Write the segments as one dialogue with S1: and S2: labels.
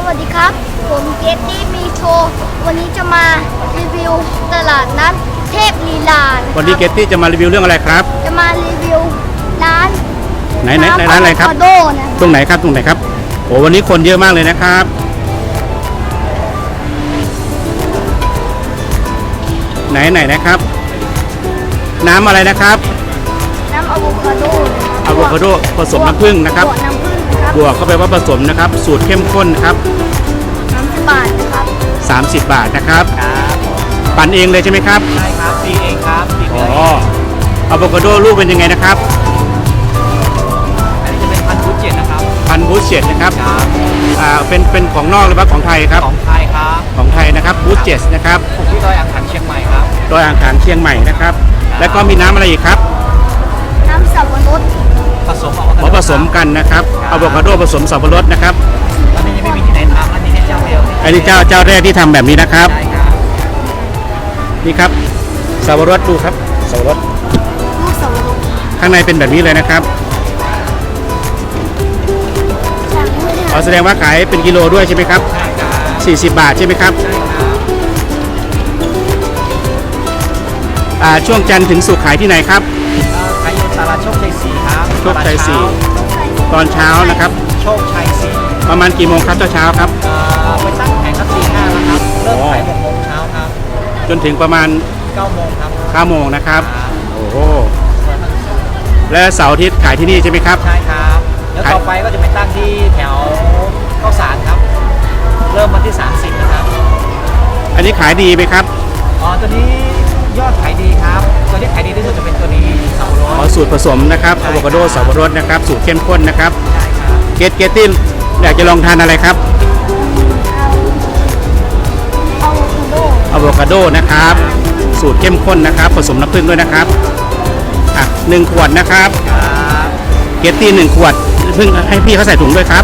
S1: วัสดีครับผมเกตตี้มีโชว์วันนี้จะมารีวิวตลาดนัดเทพลีลา
S2: วันนี้เกตตี้จะมารีวิวเรื่องอะไรครับ
S1: จะมารีวิวร้าน
S2: ไหนร้านอะไรครับตรงไหนครับโอ้วันนี้คนเยอะมากเลยนะครับไหนนะครับน้ำอะไรนะครับ
S1: น้ำอะโวคาโด
S2: ผสมน้ำผึ้งนะครับบวกเข้าไปว่าผสมนะครับสูตรเข้มข้นครับ
S1: 30 บาทนะครับ
S2: 30 บาทนะครับปั่นเองเลยใช่ไหมครับ
S3: ใช่ครับตีเองครับตีเอง
S2: อะโวคาโดลูกเป็นยังไงนะครับ
S3: อันนี้จะเป็นพันธุ์บูเจ็ตนะครับ
S2: พันธุ์บูเจ็ตนะครับเป็นของนอกหรือว่าของไทยครับ
S3: ของไทยครับ
S2: ของไทยนะครับบูเจ็ตนะครับ
S3: ปลูกที่ดอยอ่างขางเชียงใหม่ครับ
S2: ดอยอ่างขางเชียงใหม่นะครับแล้วก็มีน้ำอะไรอีกครับ
S1: น้ำสับปะรด
S2: ผสมกันนะครับอะโวคาโดผสมสับปะรดนะครับ
S3: ตอนนี้ยังไม่มีที่ไหนทำอันนี้เจ้าเดียว
S2: อันนี้เจ้าแรกที่ทำแบบนี้นะครับนี่ครับสับปะรดดูครับสับปะรด
S1: ลูกสับปะรด
S2: ข้างในเป็นแบบนี้เลยนะครับแสดงว่าขายเป็นกิโลด้วยใช่ไหมครับ40 บาทใช่ไหมครับช่วงจันทร์ถึงศุกร์ขายที่ไหนครับ
S3: ขายอยู่ตลาดโชคชัย4ครับ
S2: โชคชัย4ตอนเช้านะครับ
S3: โชคชัย4
S2: ประมาณกี่โมงครับเช้าครับ
S3: ไปตั้งแผงครับ4-5แล้วครับเริ่มขาย6 โมงเช้าครับ
S2: จนถึงประมาณ
S3: 9 โมงครับ
S2: 9 โมงนะครับโอ้โหและเสาร์อาทิตย์ขายที่นี่ใช่ไหมครับ
S3: ใช่ครับแล้วต่อไปก็จะไปตั้งที่แถวข้าวสารครับเริ่มวันที่30นะครับ
S2: อันนี้ขายดีไหมครับ
S3: ตัวนี้ยอดขายดีครับตัวที่ขายดีที่สุดจะเป็นตัวนี้สับปะรด
S2: สูตรผสมนะครับอะโวคาโดสับปะรดนะครับสูตรเข้มข้นนะครับ
S3: ใช่ครับ
S2: เกตติ้อยากจะลองทานอะไรครับอะโวคาโดนะครับสูตรเข้มข้นนะครับผสมน้ำผึ้งด้วยนะครับ1 ขวดนะครับเกตตี้1 ขวดเพิ่งให้พี่เขาใส่ถุงด้วยครับ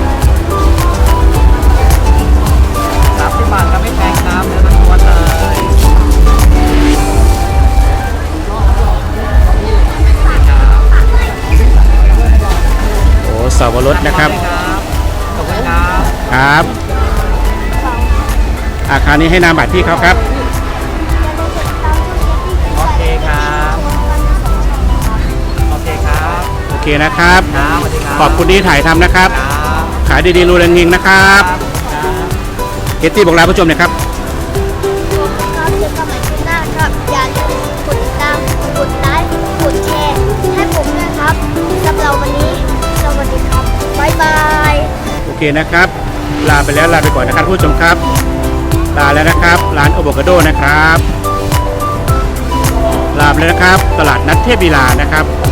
S3: 30 บาทครับไม่แพงครับเนื้อล้วนเลย
S2: โอ้สับปะรดนะครับ
S3: ขอบคุณครับ
S2: คราวนี้ให้นามบัตรพี่เขาครับ
S3: โอเคครับโอเค
S2: นะครับขอบคุณที่ถ่ายทำนะครับขายดีๆรูแรงเฮงนะครับเกตตี้บอกลาผู้ชมหน่อยครับ
S1: อย่าลืมกดติดตามกดไลค์กดแชร์ให้ผมด้วยครับสำหรับวันนี้สวัสดีครับบ๊ายบาย
S2: โอเคนะครับลาไปก่อนนะครับผู้ชมครับลาแล้วนะครับร้านอะโวคาโดนะครับลาไปแล้วนะครับตลาดนัดเทพลีลานะครับ